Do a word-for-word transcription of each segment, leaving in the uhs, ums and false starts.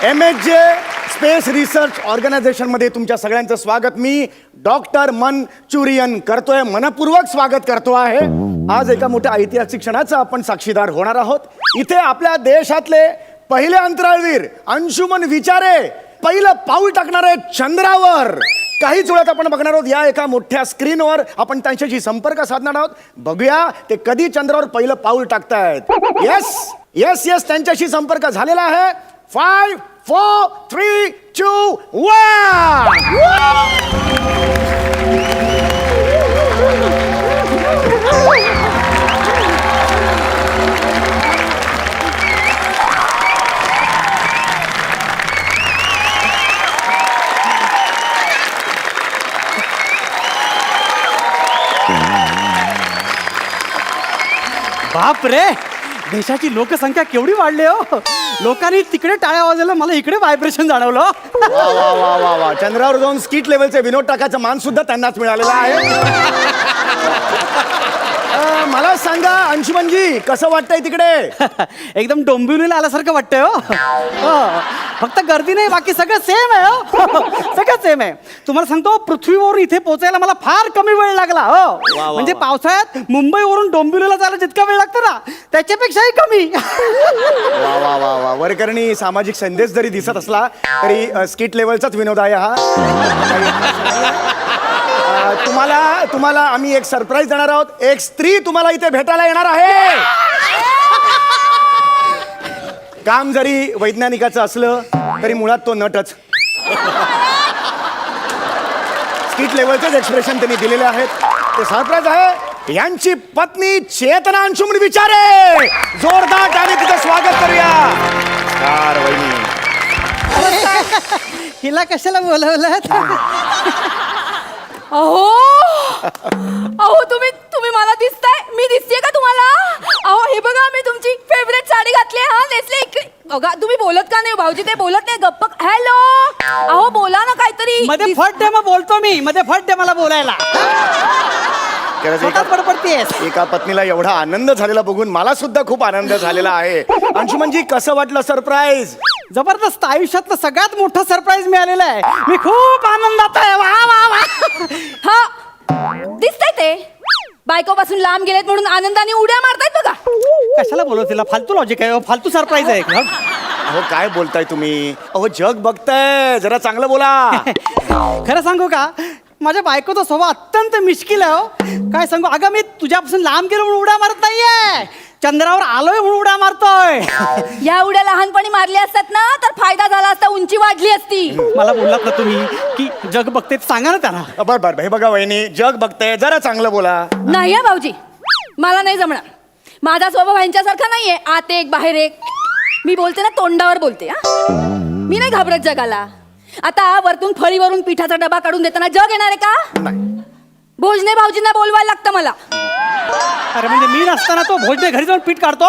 M H J space research ऑर्गनायझेशनमध्ये तुमच्या सगळ्यांचं स्वागत. मी डॉक्टर मनचुरियन करतोय, मनपूर्वक स्वागत करतो आहे. आज एका मोठ्या ऐतिहासिक क्षणाचा आपण साक्षीदार होणार आहोत. इथे आपल्या देशातले पहिले अंतराळवीर अंशुमन विचारे पहिलं पाऊल टाकणार आहेत चंद्रावर. काहीच वेळात आपण बघणार आहोत या एका मोठ्या स्क्रीनवर. आपण त्यांच्याशी संपर्क साधणार आहोत. बघूया ते कधी चंद्रावर पहिलं पाऊल टाकतायत. येस येस येस त्यांच्याशी संपर्क झालेला आहे. Five four three two one. बाप रे, देशाची लोकसंख्या केवढी वाढली हो. लोकांनी तिकडे टाळ्या वाजवल्या, मला इकडे व्हायब्रेशन जाणवलं. वा वा वा वा वा. चंद्रावर जाऊन स्किट लेवलचे विनोद टाकायचा मान सुद्धा त्यांनाच मिळालेला आहे. अ, मला सांगा अंशुमनजी, कसं वाटतंय तिकडे? एकदम डोंबिवलीला आल्यासारखं वाटतंय हो. हो. फक्त गर्दी नाही, बाकी सगळं सेम आहे हो. सगळं सेम आहे. तुम्हाला सांगतो, पृथ्वीवरून इथे पोहोचायला मला फार कमी वेळ लागला हो. म्हणजे पावसाळ्यात मुंबईवरून डोंबिवलीला जायला जितका वेळ लागतो ना, त्याच्यापेक्षाही कमी. वा वा वा वा. वरकरणी सामाजिक संदेश जरी दिसत असला तरी अ, स्किट लेवलचाच विनोद आहे हा. अ, तुम्हाला तुम्हाला आम्ही एक सरप्राईज देणार आहोत. एक स्त्री तुम्हाला इथे भेटायला येणार आहे. काम जरी वैज्ञानिकाचं असलं तरी मुळात तो नटच. स्किट लेवलचेच एक्सप्रेशन त्यांनी दिलेले आहेत. ते सरप्राईज आहे. यांची पत्नी चेतना अंशुमन विचारे. जोरदार त्याने तिचं स्वागत करूया. कार वहिनी, हिला कशाला बोलवलं? अहो अहो तुम्ही तुम्ही मला दिसताय, मी दिसतेय का तुम्हाला? अहो हे बघा, मी तुमची फेवरेट साडी घातली. हा नेसले इकडे बघा. तुम्ही बोलत का नाही भाऊजी? ते बोलत नाही, गप्प. हॅलो, अहो बोला ना काहीतरी. मध्ये फट दे, मग बोलतो मी. मध्ये फट दे मला बोलायला. स्वतःच बडबडतेस. एका पत्नीला एवढा आनंद झालेला बघून मला सुद्धा खूप आनंद झालेला आहे. अंशुमनजी, कसं वाटलं सरप्राईज? जबरदस्त. आयुष्यातलं सगळ्यात मोठं सरप्राईज मिळालेलं आहे. मी खूप आनंदात आहे. वा वा वा. हा दिसतंय ते बायकोपासून लांब गेलेत म्हणून आनंदाने उड्या मारतायत बघा. कशाला बोलव तिला? फालतू लॉजिक आहे, फालतू सरप्राईज आहे. अहो काय बोलताय तुम्ही? अहो जग बघताय, जरा चांगलं बोला. खरं सांगू का, माझ्या बायकोचा स्वभाव अत्यंत मिश्किल आहे हो. काय सांगू, अगं मी तुझ्यापासून लांब गेलो म्हणून उड्या मारत नाहीये, चंद्रावर आलोय म्हणून उड्या मारतोय. या उड्या लहानपणी मारल्या असतात ना तर फायदा झाला असता, उंची वाढली असती. मला बोललात ना तुम्ही की जग बघते, सांगा ना त्यांना. बर बर हे बघा वहिनी, जग बघताय, जरा चांगलं बोला. नाही भाऊजी, मला नाही जमणार. माझा स्वभाव ह्यांच्यासारखा नाहीये, आत एक बाहेर एक. मी बोलते ना तोंडावर बोलते. हा, मी नाही घाबरत जगाला. आता वरतून फळीवरून पिठाचा डबा काढून देताना जग येणार आहे का? भोजने भाऊजींना बोलवायला लागतं मला. अरे म्हणजे मी नसताना तो भोजने घरी जाऊन पीठ काढतो?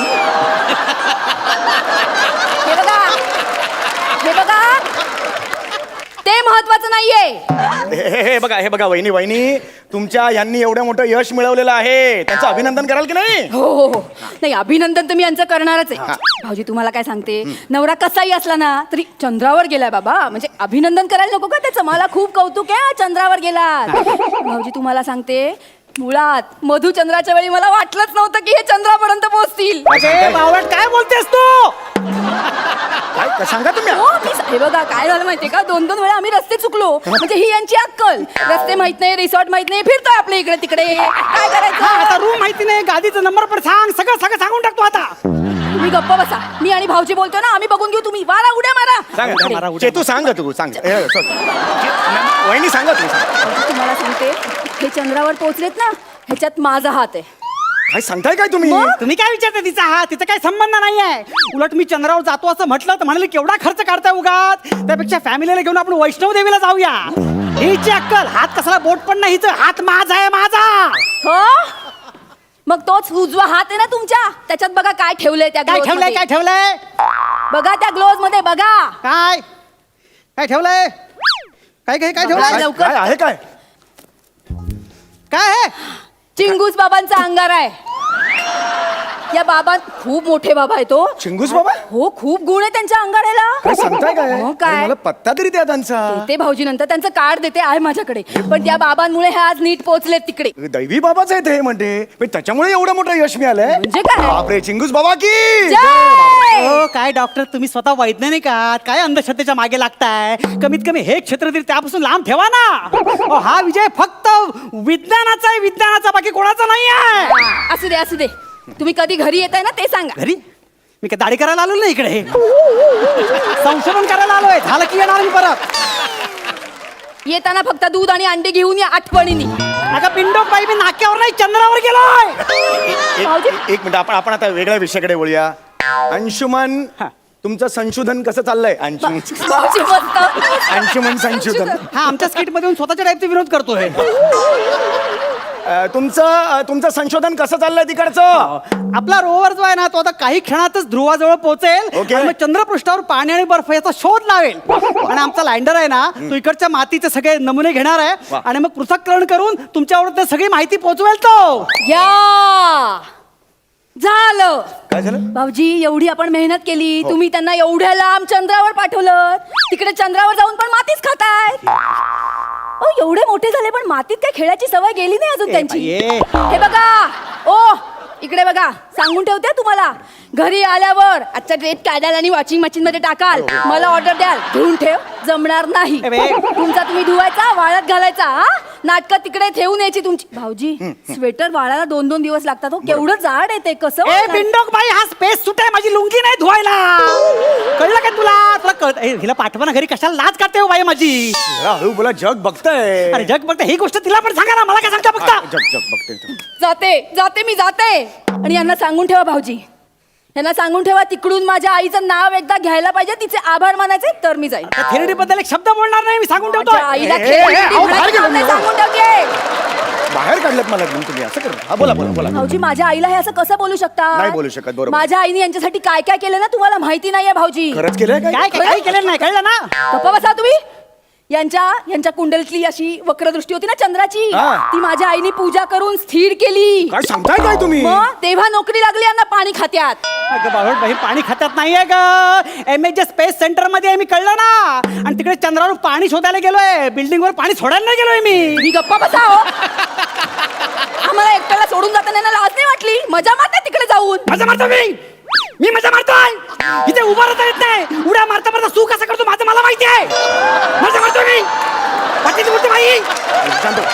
हे बघा, हे बघा, ते महत्वाचं नाहीये. हे हे बघा, हे बघा वहिनी वहिनी तुमच्या यांनी एवढं मोठं यश मिळवलेलं आहे, त्यांचं अभिनंदन कराल की नाही? हो हो हो. नाही, अभिनंदन तर मी यांचं करणारच आहे. भाऊजी तुम्हाला काय सांगते, नवरा कसाही असला ना तरी चंद्रावर गेलाय बाबा, म्हणजे अभिनंदन करायला नको का त्याचं? मला खूप कौतुक आहे, चंद्रावर गेला. भाऊजी तुम्हाला सांगते, मुळात मधुचंद्राच्या वेळी मला वाटलंच नव्हतं की हे चंद्रापर्यंत पोहोचतील. बावळट काय बोलतेस तू? काय सांगा तुम्ही? हो, मी हे बघा काय झालं माहितीये का, दोन दोन वेळा आम्ही रस्ते चुकलो. म्हणजे ही यांची अक्कल. रस्ते माहित नाही, रिसॉर्ट माहित नाही, फिरतोय आपल्या इकडे तिकडे. काय करायचं? आता रूम माहिती नाही, गादीचा नंबर पण सांग, सगळं सगळं सांगून टाकतो आता. तुम्ही गप्प बसा. मी आणि भाऊजी बोलतोय ना, आम्ही बघून घेऊ. तुम्ही मारा उड्या मारा. सांगा चेतू, सांग तू सांग. हे, sorry. वहिनी सांगा तू. तुम्हाला सांगते, हे चंद्रावर पोहोचलेत ना, ह्याच्यात माझा हात आहे. काय सांगताय काय तुम्ही? तुम्ही काय विचारता तिचा हा? तिचा काही संबंध नाहीये. उलट मी चंद्रावर जातो असं म्हटलं तर म्हणाले केवढा खर्च काढताय उगाच, त्यापेक्षा फॅमिलीला घेऊन आपण वैष्णव देवीला जाऊया. हिची अक्कल, हात कसाला बोट पण नाही, हिचं हात माझा आहे, माझा. हो, मग तोच उजवा हात आहे ना तुमच्या, त्याच्यात बघा काय ठेवलंय. त्या काय ठेवलंय? काय ठेवलंय? बघा त्या ग्लोव्ज मध्ये बघा. काय काय ठेवलंय? काय काय काय ठेवलंय? लवकर. काय आहे? काय काय आहे? चिंगूस बाबांचा अंगार आहे. या बाबा खूप मोठे बाबा आहे तो. चिंगूस बाबा? हो, खूप गुण आहे त्यांच्या अंगाड्याला. काय सांगताय काय? हो, अरे, काय मला पत्ता तरी द्या त्यांचा. ते भाऊजी नंतर त्यांचं कार्ड देते आहे माझ्याकडे. पण त्या बाबांमुळे हे आज नीट पोहोचलेत तिकडे. दैवी बाबाच आहे ते म्हणते पण त्याच्यामुळे एवढं मोठं यश मिळालंय. म्हणजे काय? बापरे, चिंगूस बाबा की जय! हो काय डॉक्टर तुम्ही स्वतः वैज्ञानिक आहात, काय अंधश्रद्धेच्या मागे लागताय? कमीत कमी हे क्षेत्र तरी त्यापासून लांब ठेवा ना. अहो, हा विजय फक्त विज्ञानाचा आहे, विज्ञानाचा, बाकी कोणाचा नाही आहे. हा, असू दे असू दे. तुम्ही कधी घरी येताय ना ते सांगा. घरी मी काय दाढी करायला आलो ना इकडे, संशोधन करायला आलोय. झालं की येणार मी परत. येताना फक्त दूध आणि अंडे घेऊन या आठवणीने. अगं पिंडो बाई, मी नाक्यावर नाही चंद्रावर गेलोय. भाऊजी? एक एक मिनिट, आपण आपण आता वेगळ्या विषयाकडे वळूया. अंशुमन, हा. तुमचं संशोधन कसं चाललंय? अंशुमन भाऊजी मस्त. अंशुमन संशोधन हा आमच्या स्किट मध्ये येऊन स्वतःच्या टाईपचे विरोध करतोय. अं, तुमचं अं, तुमचं संशोधन कसं चाललंय तिकडचं? आपला रोवर जो आहे ना तो आता काही क्षणातच ध्रुवाजवळ पोहोचेल. ओके. आणि मग चंद्रपृष्ठावर पाणी आणि बर्फ याचा शोध लावेल. आणि आमचा लँडर आहे ना तो इकडच्या मातीचे सगळे नमुने घेणार आहे वा. आणि मग पृथक्करण करून तुमच्यावर ते सगळी माहिती पोहोचवेल तो. या झालं. काय झालं? भाऊजी एवढी आपण मेहनत केली, तुम्ही त्यांना एवढ्या लांब चंद्रावर पाठवलं, तिकडे चंद्रावर जाऊन पण मातीच खाताय. ओ एवढे मोठे झाले पण मातीत काय खेळायची सवय गेली नाही अजून त्यांची. बाई, हे बघा, ओ इकडे बघा, सांगून ठेवते तुम्हाला, घरी आल्यावर आजचा ड्रेस काढाल आणि वॉशिंग मशीन मध्ये टाकाल, मला ऑर्डर द्याल, धुवून ठेव, जमणार नाही. ए बे. तुमचा तुम्ही धुवायचा, वाळत घालायचा. हा नाटकं तिकडे ठेवून यायची तुमची. भाऊजी स्वेटर वाळायला दोन दोन दिवस लागतात. हो केवढं जाड आहे ते, कसं ए वाळणार? पिंडोक बाई, हा स्पेस सुट आहे, माझी लुंगी नाही धुवायला. कळलं का तुला? तुला कळत ए, हिला पाठवा ना घरी, कशाला लाज काढते हो बाई माझी. जरा हळू बोला, जग बघतंय. अरे जग बघते, ही गोष्ट तिला पण सांगा ना, मला काय सांगता बघता. जग जग बघतंय. जाते जाते मी जाते. आणि यांना सांगून ठेवा भाऊजी, यांना सांगून ठेवा तिकडून माझ्या आईचं नाव एकदा घ्यायला पाहिजे, तिचे आभार मानायचे, तर मी जाईन. थेरडी बद्दल एक शब्द बोलणार नाही, मी सांगून ठेवतो. माझ्या आईला ए, ए, खेळ ए, किती अहो, म्हणायचं बाहेर काम नाही, गेलो मी. सांगून ठेवते. बाहेर काढलं मला घेऊन तुम्ही असं कर. हा बोला बोला बोला. भाऊजी माझ्या आईला हे असं कसं बोलू शकता? नाही बोलू शकत, बरोबर. माझ्या आईने यांच्यासाठी काय काय केलं ना तुम्हाला माहिती नाहीये भाऊजी. खरंच केलंय काय काय? काय काही केलेलं नाही, कळलं ना? गप्पा बसा तुम्ही. यांच्या यांच्या कुंडलीतली अशी वक्रदृष्टी होती ना चंद्राची, हा. ती माझ्या आईने पूजा करून स्थिर केली. काय सांगताय काय तुम्ही? मग तेव्हा नोकरी लागली यांना पाणी खात्यात. अगं बाबा बाई, पाणी खात्यात नाहीये ग. एम एच स्पेस सेंटर मध्ये आहे मी, कळलं ना? आणि तिकडे चंद्रावर पाणी शोधायला गेलोय, बिल्डिंग वर पाणी सोडायला नाही गेलोय मी. मी गप्पा बसा हो. आम्हाला एकट्याला सोडून जाताना ना लाज नाही वाटली? मजा मारते तिकडे जाऊन. मजा मारतो मी मी मजा मारतोय. इथे उभा राहता येत नाही, उड्या मारता मारता सू कसा करतो माझं मला माहिती आहे. मजा मारतो मी. बाकीची बोलते बाई. शांत व्हा.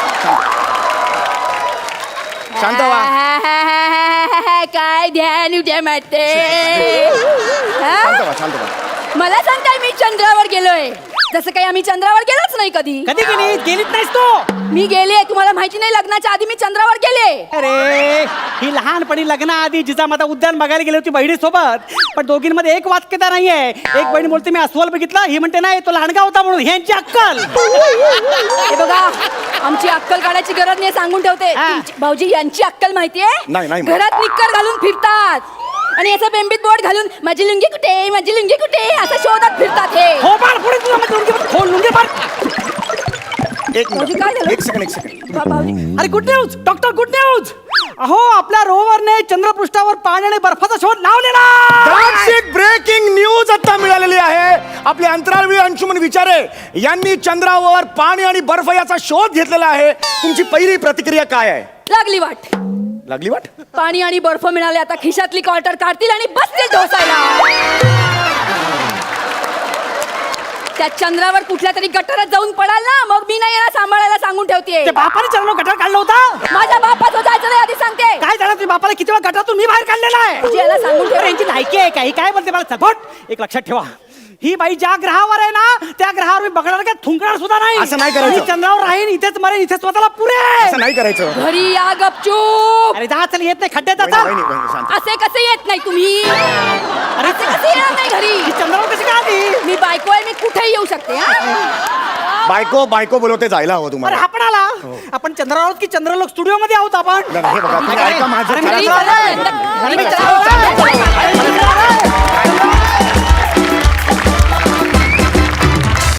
शांत व्हा. काय ध्यान उद्या मारते. शांत व्हा, शांत व्हा. मला सांगताय मी चंद्रावर गेलोय, जसं काही आम्ही चंद्रावर गेलोच नाही कधी. कधी गेली गेलीच नाहीस तू. मी गेले, तुम्हाला माहिती नाही, लग्नाच्या आधी मी चंद्रावर गेले. अरे ही लहानपणी लग्नाआधी जिजामाता उद्यान बघायला गेली होती बहिणीसोबत, पण दोघींमध्ये एक वाक्यता नाहीये. एक बहीण बोलते मी अस्वल बघितलं, ही म्हणते नाही तो लहानगा होता म्हणून. ह्यांची अक्कल. हे बघा, आमची अक्कल काढायची गरज नाही, सांगून ठेवते. हा. तुमची- भाऊजी यांची अक्कल माहितीये? नाही, नाही. घरात निक्कर घालून फिरतात आणि याचं बेंबीत बोर्ड घालून माझी लुंगी कुठे, माझी लुंगी कुठे असं शोधत फिरतात हे. हो बाळ, पुढे तुला माझी लुंगी बघ, खोल लुंगी बघ. एक भाऊजी, मिनिट, काय झालं? एक सेकंड एक सेकंड. बा- भाऊजी अरे good news doctor, good news. अहो आपल्या रोवरने चंद्रपृष्ठावर पाणी आणि बर्फाचा शोध लावलेला. ब्रेकिंग न्यूज आता मिळालेली आहे. आपले अंतराळवीर अंशुमन विचारे यांनी चंद्रावर पाणी आणि बर्फ याचा शोध घेतलेला आहे. तुमची पहिली प्रतिक्रिया काय आहे? लागली वाट. लागली वाट? पाणी आणि बर्फ मिळाले, आता खिशातली क्वार्टर काढतील आणि बसतील ढोसायला. त्या चंद्रावर कुठल्या तरी गटारात जाऊन पडाल ना, मग मी नाही याला सांभाळायला सांगून ठेवते. ते बापाने चरण गटार काढला होता. माझ्या बापाचं जायचं नाही आधी सांगते. काय झालं तुझ्या बापाला किती वेळा गटारातून मी बाहेर काढलेला आहे. भाऊजी, याला सांगून ठेवा. अरे, यांची लायकी आहे काही काय बोलते मला सपोर्ट. एक लक्षात ठेवा, ही बाई ज्या ग्रहावर आहे ना त्या ग्रहावर मी बघणार काय थुंकणार सुद्धा नाही. असं नाही करायचं. मी चंद्रावर राहीन, इथेच मरेन, इथेच स्वतःला पुरे. असं नाही करायचं. घरी या गपचूप. अरे जा चल, येत नाही खड्ड्यात वहिनी, आता. वहिनी, वहिनी, शांत. असे कसे येत नाही तुम्ही? अरे असे कसे येणार नाही घरी? ही चंद्रावर कशी काय आली? मी बायको आहे, मी कुठेही येऊ शकते. हा? बायको बायको बोलवते, जायला हवं अरे तुम्हाला. आपण आला. आपण चंद्रावर आहोत की चंद्रलोक स्टुडिओ मध्ये आहोत आपण? नाही, हे बघा, तुम्ही ऐका माझं. अरे, मी घरी चला, चला, चला, घरी चला, चला. चला, चला, चला, चला, चला, चला, चला,